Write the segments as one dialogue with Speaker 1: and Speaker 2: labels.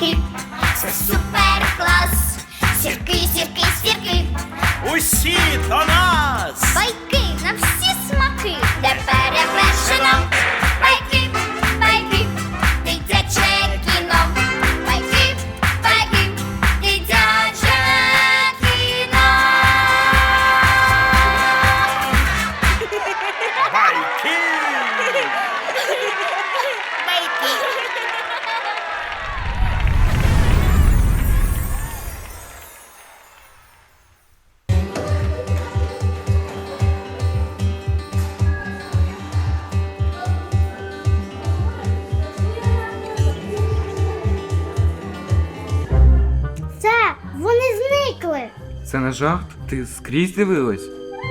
Speaker 1: сірки, це супер клас. Сірки, сірки, сірки,
Speaker 2: Усі до нас!
Speaker 1: байки на всі смаки, де перевершено. Байки, байки, дитяче кіно. Байки, байки, дитяче кіно.
Speaker 2: Байки!
Speaker 3: Це, вони зникли.
Speaker 4: Це не жарт? Ти скрізь дивилась?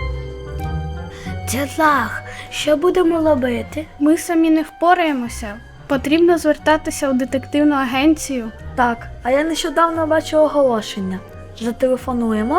Speaker 5: Це жах. Що будемо робити? Ми самі не впораємося. Потрібно звертатися у детективну агенцію.
Speaker 6: Так, а я нещодавно бачив оголошення. Зателефонуємо?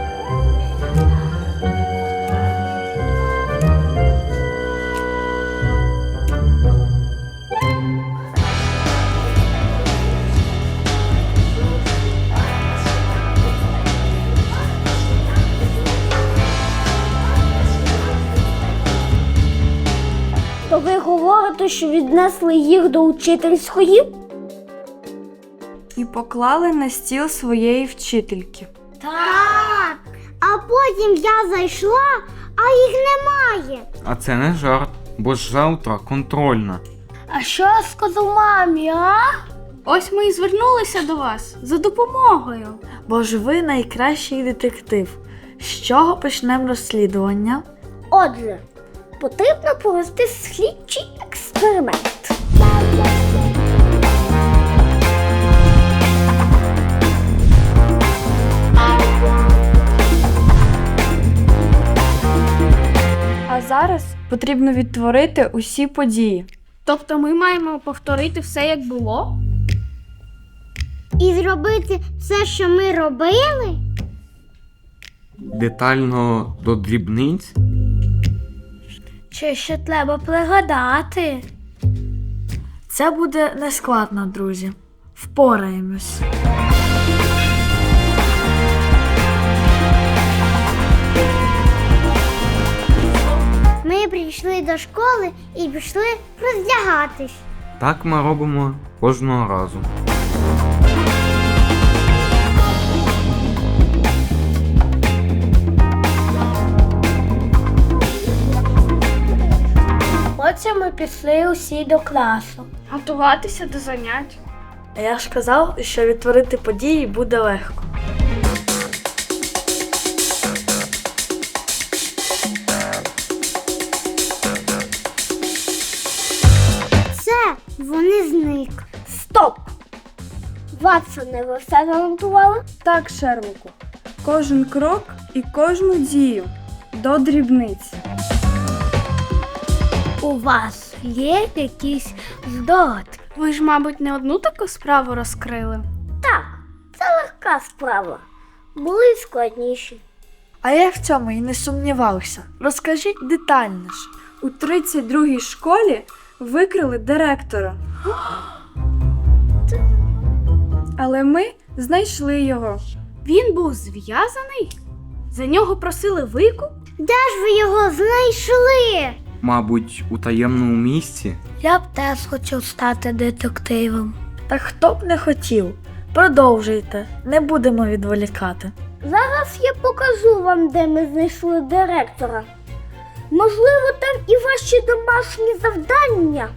Speaker 3: То ви говорите, що віднесли їх до учительської?
Speaker 6: І поклали на стіл своєї вчительки.
Speaker 3: Так. А потім я зайшла, а їх немає.
Speaker 4: А це не жарт, бо ж завтра контрольна.
Speaker 5: А що я сказав мамі, а? Ось ми і звернулися до вас за допомогою.
Speaker 6: Бо ж ви найкращий детектив. З чого почнемо розслідування?
Speaker 3: Отже, потрібно провести слідчий експеримент.
Speaker 6: А зараз потрібно відтворити усі події.
Speaker 5: Тобто ми маємо повторити все, як було?
Speaker 3: І зробити все, що ми робили?
Speaker 4: Детально до дрібниць?
Speaker 5: Чи ще треба пригадати?
Speaker 6: Це буде нескладно, друзі. Впораємось.
Speaker 3: Ми прийшли до школи і пішли роздягатись.
Speaker 4: Так ми робимо кожного разу.
Speaker 5: Потім ми пішли усі до класу. Готуватися до занять.
Speaker 6: А я ж казав, що відтворити події буде легко.
Speaker 3: Це вони зник. Стоп! Ватсоне, ви все занотували?
Speaker 6: Так, Шерлоку. Кожен крок і кожну дію до дрібниць.
Speaker 5: У вас є якісь здогадки? Ви ж, мабуть, не одну таку справу розкрили.
Speaker 3: Так, це легка справа. Були й складніші.
Speaker 6: А я в цьому і не сумнівався. Розкажіть детальніше. У 32-й школі викрили директора. Але ми знайшли його.
Speaker 5: Він був зв'язаний? За нього просили викуп?
Speaker 3: Де ж ви його знайшли?
Speaker 4: Мабуть, у таємному місці?
Speaker 5: Я б теж хотів стати детективом.
Speaker 6: Та хто б не хотів. Продовжуйте, не будемо відволікати.
Speaker 3: Зараз я покажу вам, де ми знайшли директора. Можливо, там і ваші домашні завдання.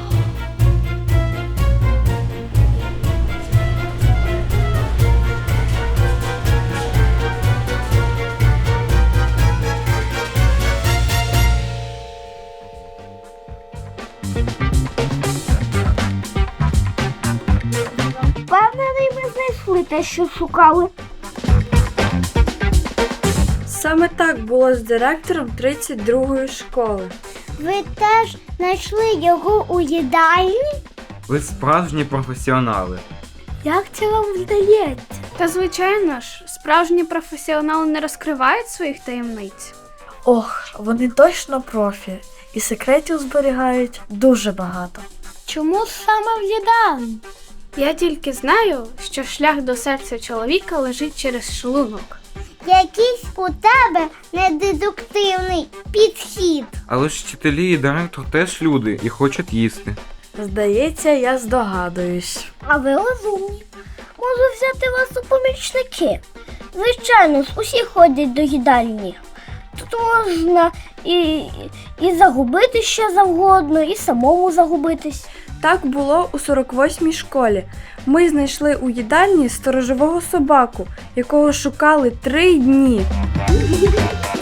Speaker 3: Впевнений, ми знайшли те, що шукали.
Speaker 6: Саме так було з директором 32-ї школи.
Speaker 3: Ви теж знайшли його у їдальні?
Speaker 4: Ви справжні професіонали.
Speaker 5: Як це вам вдається? Та звичайно ж, справжні професіонали не розкривають своїх таємниць.
Speaker 6: Ох, вони точно профі. І секретів зберігають дуже багато.
Speaker 5: Чому саме в їдальні? Я тільки знаю, що шлях до серця чоловіка лежить через шлунок.
Speaker 3: Якийсь у тебе недедуктивний підхід.
Speaker 4: Але ж вчителі і директор теж люди і хочуть їсти.
Speaker 6: Здається, я здогадуюсь.
Speaker 3: А ви розумні. Можу взяти вас у помічники. Звичайно ж, усі ходять до їдальні. Тут можна і загубити що завгодно, і самому загубитись.
Speaker 6: Так було у 48-й школі. Ми знайшли у їдальні сторожового собаку, якого шукали 3 дні.